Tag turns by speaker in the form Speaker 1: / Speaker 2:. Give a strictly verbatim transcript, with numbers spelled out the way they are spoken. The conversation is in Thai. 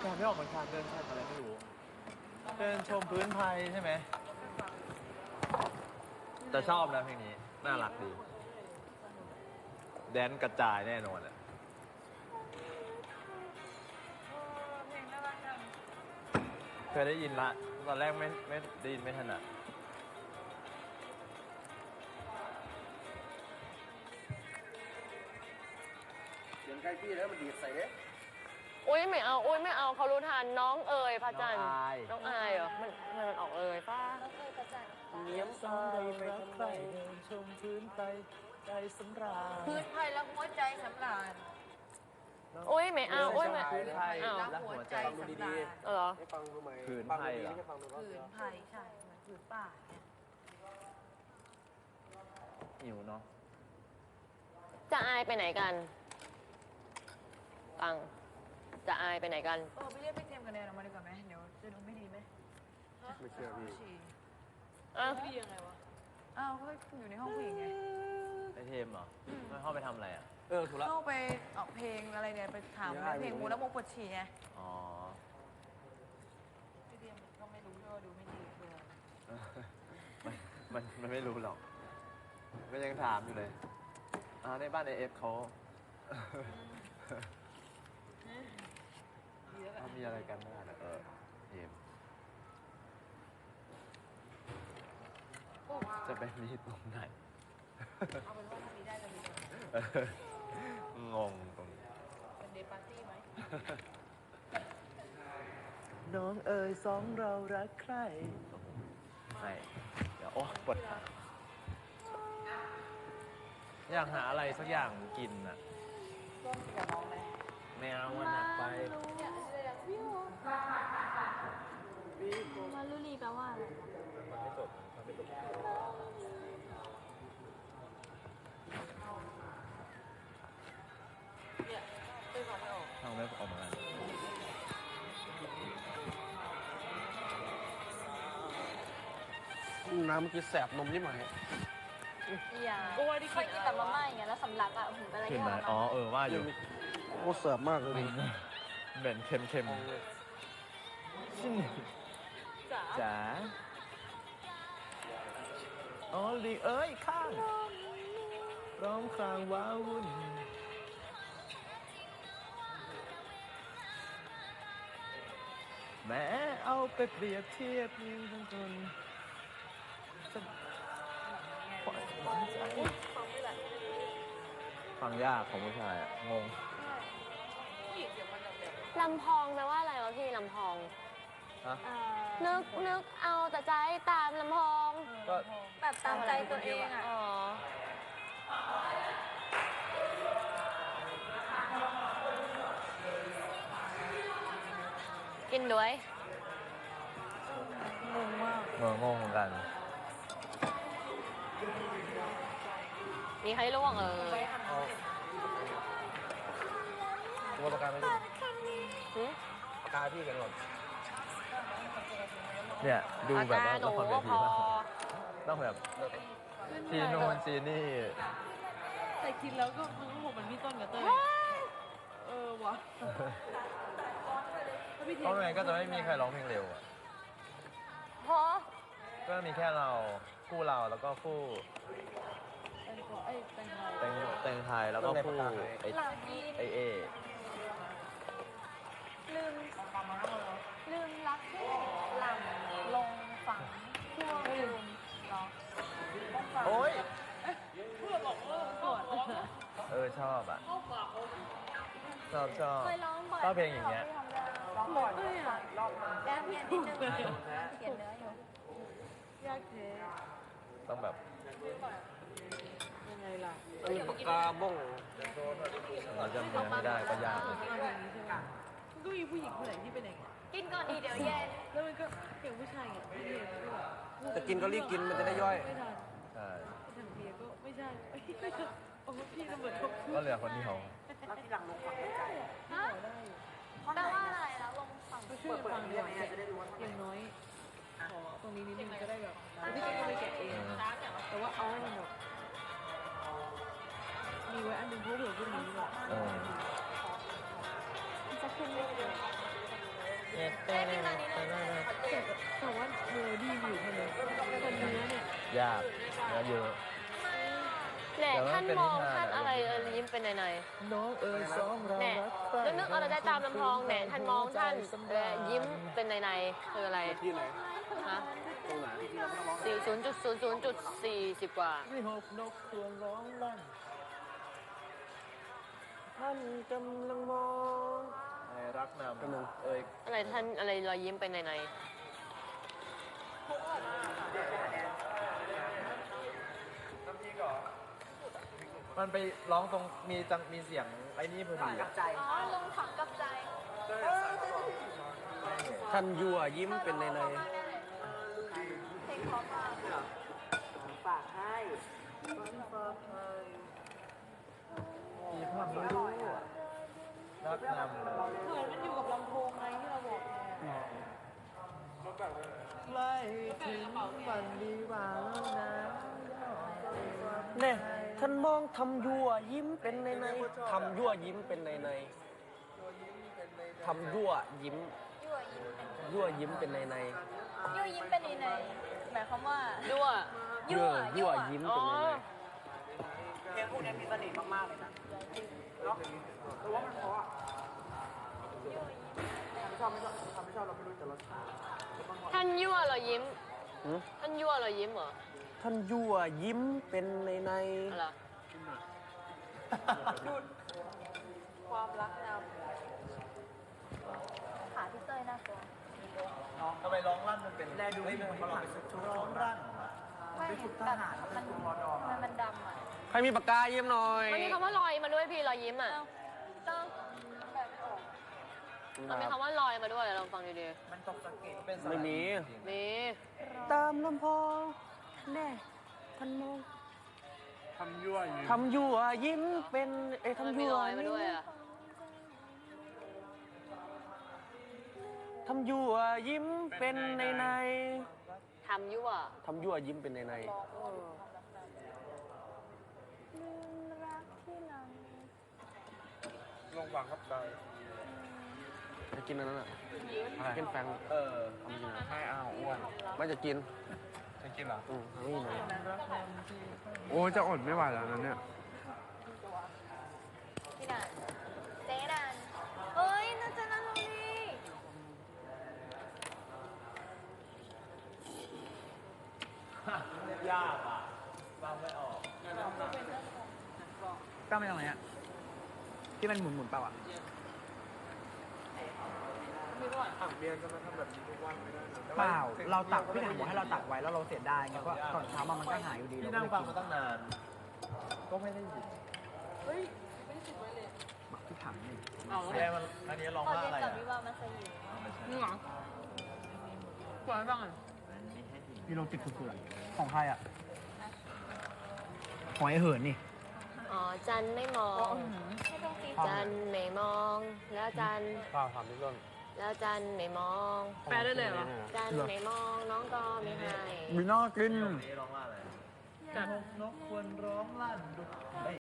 Speaker 1: แต่ไม่ออกเหมือนกันเดินชมอะไรไม่รู้ เดินชมพื้นไทยใช่ไหมแต่ชอบนะเพลงนี้ น่ารักดี แดนกระจายแน่นอนอ่ะ
Speaker 2: เพลงน่ารักจัง
Speaker 1: เคยได้ยินละ ตอนแรกไม่ไม่ได้ยินไม่ถนัด
Speaker 3: เสียงใกล้พี่แล้วมันดีดใส่เด้
Speaker 4: อุ้ยไม่เอาอุ้ยไม่เอาเขารู้ทันน้องเอ๋ยพระจันทร์
Speaker 1: น้องอาย
Speaker 4: น้องอายเหรอมันทำไมมันออกเลยป้า
Speaker 2: น้องเอ๋ยประจัน
Speaker 3: เนียมอายไปทำไม
Speaker 1: ชมพื้นไทยใจสำราญ
Speaker 2: พื้นไทยแล้วหัวใจสำราญ
Speaker 4: อุ้ยไม่เอาอุ้ยไม่
Speaker 1: พื้นไทย
Speaker 4: เอา
Speaker 1: และหัวใจ
Speaker 3: ฟังดูดี
Speaker 4: เออเหรอ
Speaker 3: ๆให้ฟังดูไหม
Speaker 1: ผืน
Speaker 3: ฟัง
Speaker 1: ไทย
Speaker 3: ดี
Speaker 1: เหรอ
Speaker 3: ๆให้ฟังดูรอบ
Speaker 2: ผื
Speaker 3: เดี
Speaker 2: น
Speaker 3: ยว
Speaker 2: ไทยใช่เหมือนผืนป่าเนี่ย
Speaker 1: หิวเนาะ
Speaker 4: จะอายไปไหนกันตังจะอายไปไหนกัน
Speaker 2: เออไปเรียกพี่เทมกับแนนออกมาดีกว่าไหมเดี๋ยวจะดูไม่ดีไหม
Speaker 3: ไม่เชื่อพี่
Speaker 2: ฉี่
Speaker 4: อ้าว
Speaker 2: ไม่ดียังไงวะอ้าวก็อยู่ในห้องผู้หญิงไง
Speaker 1: ไอเทมเหรอไม่เข้าไปทำอะไรอ่ะ
Speaker 3: เออถูกแล้ว
Speaker 2: เข้าไปออกเพลงอะไรเนี่ยไปถาม
Speaker 3: ไม่ได้
Speaker 2: เพลงมูแล้วโมปวดฉี่ไง
Speaker 1: อ๋อ
Speaker 2: พี่เทมก็ไม่รู้ด้วยดูไม่ดีคือ
Speaker 1: มันมันมันไม่รู้หรอกมันยังถามอยู่เลยอ่าในบ้านไอเอฟเขาเขามีอะไรกันบ้างอะเออเทมจะไปมีตรงไหน
Speaker 2: เอาเป็นว่าถ้ามีได้จะมี
Speaker 1: เอองงตรงนี้
Speaker 2: เป็นเดย์ปาร์ตี้ไหม
Speaker 1: น้องเอ๋ยสองเรารักใครไม่เดี๋ยวโอ้ปวดขาอยากหาอะไรสักอย่างกินอ่ะ
Speaker 2: ร่วมกับน้องไหม
Speaker 1: แมวมันหนักไป
Speaker 2: เนี่ยอะไรอย่างวิว
Speaker 5: มาลุลีแปลว่าอะไร
Speaker 1: มันไม่จบมันไม่จบทางไม่ออกมา
Speaker 3: น้ำเมื่อกี้แสบนมยิ่งไหม
Speaker 5: อย่าเคยกินแต่มาม่าอย่างเงี้ยแล้วสำลักอ่ะผมเป็นอะไร
Speaker 1: ขึ้น
Speaker 5: ที่
Speaker 1: ไหม
Speaker 5: ทร
Speaker 1: อ๋อ
Speaker 5: มาน
Speaker 1: เออว่าอยู่
Speaker 3: โคตรแสบมากเลย
Speaker 1: เหม็นเค็มเค็มชินจ๋าอ๋อลีเอ้ยข้างร้องครางว้าวุ่นแม้เอาไปเปรียบเทียบยิ่งทั้งคนจะปล่อยหวานใจฟังยากของผู้ชายอะงง
Speaker 4: ลำพองแปลว่าอะไรวะพี่ลำพอง
Speaker 1: ฮะ
Speaker 5: อ่า
Speaker 4: นึกนึกเอาแต่ใจตามลำพอง
Speaker 1: ก็
Speaker 5: แบบตามใจตัวเองอ่ะ
Speaker 4: อ๋อ กินด้วย
Speaker 2: งงมาก
Speaker 1: เอองงเหมือนกัน
Speaker 4: มีใครร่วงเออ
Speaker 3: ตัวประกันไม่ดู
Speaker 4: หึ
Speaker 3: ปากกาพี่กันหมด
Speaker 1: เนี่ยดูแบบว่า
Speaker 4: อาการหนู
Speaker 1: ละครเว
Speaker 4: ก็
Speaker 1: ที
Speaker 4: พอ
Speaker 1: มากต้องแบบซีนูนซีนี่
Speaker 2: แต่คิดแล้วก็มันก็ผมมันพี่ต้นกับเต้ยเออวะแล้วพี่เท
Speaker 1: เพราะไม่งั้นก็จะไม่มีใครร้องเพลงเร็วอะ
Speaker 4: เพราะ
Speaker 1: ก็มีแค่เราคู่เราแล้วก็คู่
Speaker 2: แตงกวาเอ้ยแตงไทย
Speaker 1: เต็งเต็งไทยแล้วก็คู่ไอ
Speaker 5: หลังนี้
Speaker 1: ไอเอ
Speaker 5: ลืมลืมรักที่หลังลงฝังช่วงลืมเนาะ
Speaker 1: โอ้ย
Speaker 2: เพื่อนบอกเออก่อน
Speaker 1: เออชอบอ่ะชอบชอบ
Speaker 5: เคยร้องบ่อย
Speaker 1: ชอบเพลงอย่างเงี้ย
Speaker 5: ร้องบ่อย
Speaker 2: เอ้ยอะ
Speaker 5: แก้เพียนนิดนึงเขียนเนื้ออยู่
Speaker 2: ยากเท
Speaker 1: ต้องแบบ
Speaker 2: ยังไงล่ะ
Speaker 3: เออปากกาบ้ง
Speaker 1: เราจำเนื้อไม่ได้ก็ยากเลย
Speaker 2: เพลงนี้ใช่ไหมมันก็มีผู้หญิงคนไหนที่เป็นอย่างเงี้ย
Speaker 5: กินก่อนดีเดี๋ยวเย็น
Speaker 2: แล้วมันก็อย่างผู้ชายอย่างพี่เทมก็แบบ
Speaker 3: จะกินก็รีบกินมันจะได้ย่อย
Speaker 2: ไม่ทัน
Speaker 1: ใช่
Speaker 2: ทางเบียร์ก็ไม่ใช่เอ้ยไม่ใช่โอ้พี่ก็เหมือนเขา
Speaker 1: ก็เหลือคนที่เขา
Speaker 5: ฮะแปลว่าอะไรแล้วลงฝั่ง
Speaker 2: เขาช่วยกันฟังดีกว่าอย่างน้อยขอตรงนี้นิดนึงก็ได้แบบพี่เจก็ไปแกะเอง แต่ว่าเอาให้มันแบบมีไว้อันหนึงเพราะเผื่อพรุ่งนี้แบบ
Speaker 1: เออ
Speaker 5: จะขึ้นไม่เยอะ
Speaker 1: เ
Speaker 5: ได้ที่มานี้เลย
Speaker 2: แต่แต่ว่าเมโลดี้มีอยู่แค่นี้แต่เนื้อเนี่ย
Speaker 1: ยากนะเยอะ
Speaker 4: แหน่
Speaker 1: แต่ว่า
Speaker 4: ท่าน
Speaker 1: เป็น
Speaker 4: มอง
Speaker 1: นิทาน
Speaker 4: ท่าน
Speaker 1: อะ
Speaker 4: อะไรเออยิ้มเป็นใน
Speaker 1: น้องเอ๋ยสองเรา
Speaker 4: ๆแหน่
Speaker 1: รักใคร่
Speaker 4: แล้วนึกอะไรได้ตามลำพองแหน่ท่านมองท่านเออยิ้มเป็นในๆคืออะไร
Speaker 3: ที่ไหน
Speaker 4: ฮะ
Speaker 3: ตรงไหนที่เราไม่ต้องร้อง
Speaker 4: สี่ศูนย์จุดศูนย์ศูนย์จุดสี่สิบกว่า
Speaker 1: ไม่หกนกควรร้องลั่น
Speaker 3: ท่านกำลังมอง
Speaker 1: ไอ้รักน
Speaker 3: กำลัง
Speaker 1: ำเอ้ย
Speaker 4: อะไรท่านอะไรรอยยิ้มเป็นใน
Speaker 1: มันไปร้องตรงมีจังมีเสียงไอ้นี่พอดีอะ
Speaker 5: อ๋อลงฝังกับใจ
Speaker 3: ท่านยั่วยิ้มเป็นในใน
Speaker 5: เพลงเพราะมาก
Speaker 1: มีภาพไม่รู้รักนำ
Speaker 2: เหมือนมันอยู่กับลำโพงไงที่เราบอกเนี่ย
Speaker 1: ใกล้ถึงวันดีกว่าแล้วนะ
Speaker 3: เนี่ยท่านมองทำยั่วยิ้มเป็นในในทำยั่วยิ้มเป็นในในทำยั่วยิ้ม
Speaker 5: ยั่วยิ้มเป็น
Speaker 3: ยั่วยิ้มเป็นในใน
Speaker 5: ยั่วยิ้มเป็นในหมายความว่า
Speaker 4: ๆด้วย
Speaker 5: ยั่ว
Speaker 3: ยั่วยิ้ม
Speaker 4: อ๋
Speaker 3: เป็น
Speaker 4: อ
Speaker 3: ในใน
Speaker 4: ท่านยั่วรอยยิ้ม
Speaker 3: หืม
Speaker 4: ท่านยั่วรอยยิ้มเหรอ
Speaker 3: ท่านยั่วยิ้มเป็นในใน
Speaker 4: อะไร
Speaker 2: ความรักน
Speaker 5: ขาพี่เต้ยน่ากลัว
Speaker 1: ทำไมร้องลั่นมันเป็นแรดูให้มันเราไปสุดร้องลั่น
Speaker 5: ไม่แบบมันมันมันดำอ่ะ
Speaker 3: ใครมีปากกายิ้มหน่อย
Speaker 4: มันมีคำว่าลอยมาด้วยพี่รอยยิ้มอ่ะ
Speaker 5: เอ้าต้องแบบไม่ออก
Speaker 4: มันมีคำว่าลอยมาด้วยลองฟังดี
Speaker 1: มันตกสะเก็ดเป็นสระ
Speaker 3: ไม่มี
Speaker 4: ๆมี
Speaker 3: ตามลำพองแน่ท่านมอง
Speaker 6: ทำยั่วอยู่
Speaker 3: ทำยั่วยิ้มเป็นเอ้ย
Speaker 4: มัน
Speaker 3: ทำ
Speaker 4: มี
Speaker 3: ยั่ว
Speaker 4: ลอยมาด้วยอ่ะ
Speaker 3: ทำยั่วยิ้มเป็นในใน
Speaker 4: ทำยั่ว
Speaker 3: ทำยั่วยิ้มเป็นในใน
Speaker 5: ลืมรักที่หลัง
Speaker 6: ลงหวังกับใจ
Speaker 3: จะกินอันนั้นอ่ะกินแฟง
Speaker 1: เออ
Speaker 3: ทำจริงนะ
Speaker 6: ไม่เอาอ้วน
Speaker 3: ไม่จะกิน
Speaker 6: จะกินเหรอ
Speaker 3: อืมไม่มีเลย
Speaker 6: โอ้จะอดไม่ไหวแล้วนะเนี่ย
Speaker 5: พี่นันเจ๊นันเฮ้ยน่าจะนั่งตรงนี้
Speaker 1: ยากอ่ะฟังไม่ออก
Speaker 7: ตั้งไปตรงไหนอ่ะที่มันหมุนหมุนๆเปล่าอ่ะ
Speaker 6: ตักเบียร์จะมาทำแบบนี้ทุกวันไม่ได้นะ
Speaker 7: เปล่า เราตักพี่หนังบอกให้เราตักไว้แล้วเราเสียดายไงเพราะก่อนเช้ามามันก็หายอยู่ดี
Speaker 1: พี่
Speaker 7: เรา
Speaker 1: นั่ง
Speaker 7: ก็
Speaker 1: ฟัง
Speaker 7: เลย
Speaker 1: มาตั้งนาน ก็ไม่ได้ยิน
Speaker 2: เฮ้ยไม่ได้ติดไว้เลย
Speaker 7: บักที่ถังนี่
Speaker 2: เอา
Speaker 1: แม่มันอันนี้ร้อง
Speaker 5: ตอน
Speaker 1: ว่า
Speaker 5: เรีย
Speaker 1: อะไร
Speaker 5: นกับ
Speaker 1: อ่ะ
Speaker 5: วิวามาสยิว
Speaker 2: นี่เหรอปล่อยให้ฟังอ่ะ
Speaker 7: มีโลจิกสุดๆของใครอ่ะของไอ้เหินนี่
Speaker 4: อ๋อจันไม่มอง
Speaker 5: ไม่ต้องตี
Speaker 4: จันไม่มอง แล้วจัน
Speaker 3: ข้าวทำพี่ต้น
Speaker 4: แล้วจันไม่มอง
Speaker 2: แปลได้เลยเหรอ
Speaker 4: จันไม่มองน้องก็ไม่ให้
Speaker 7: มีน่ากิน
Speaker 1: นี่ร้องว่าอะไร
Speaker 2: จัด
Speaker 1: นกควรร้องลั่นดุด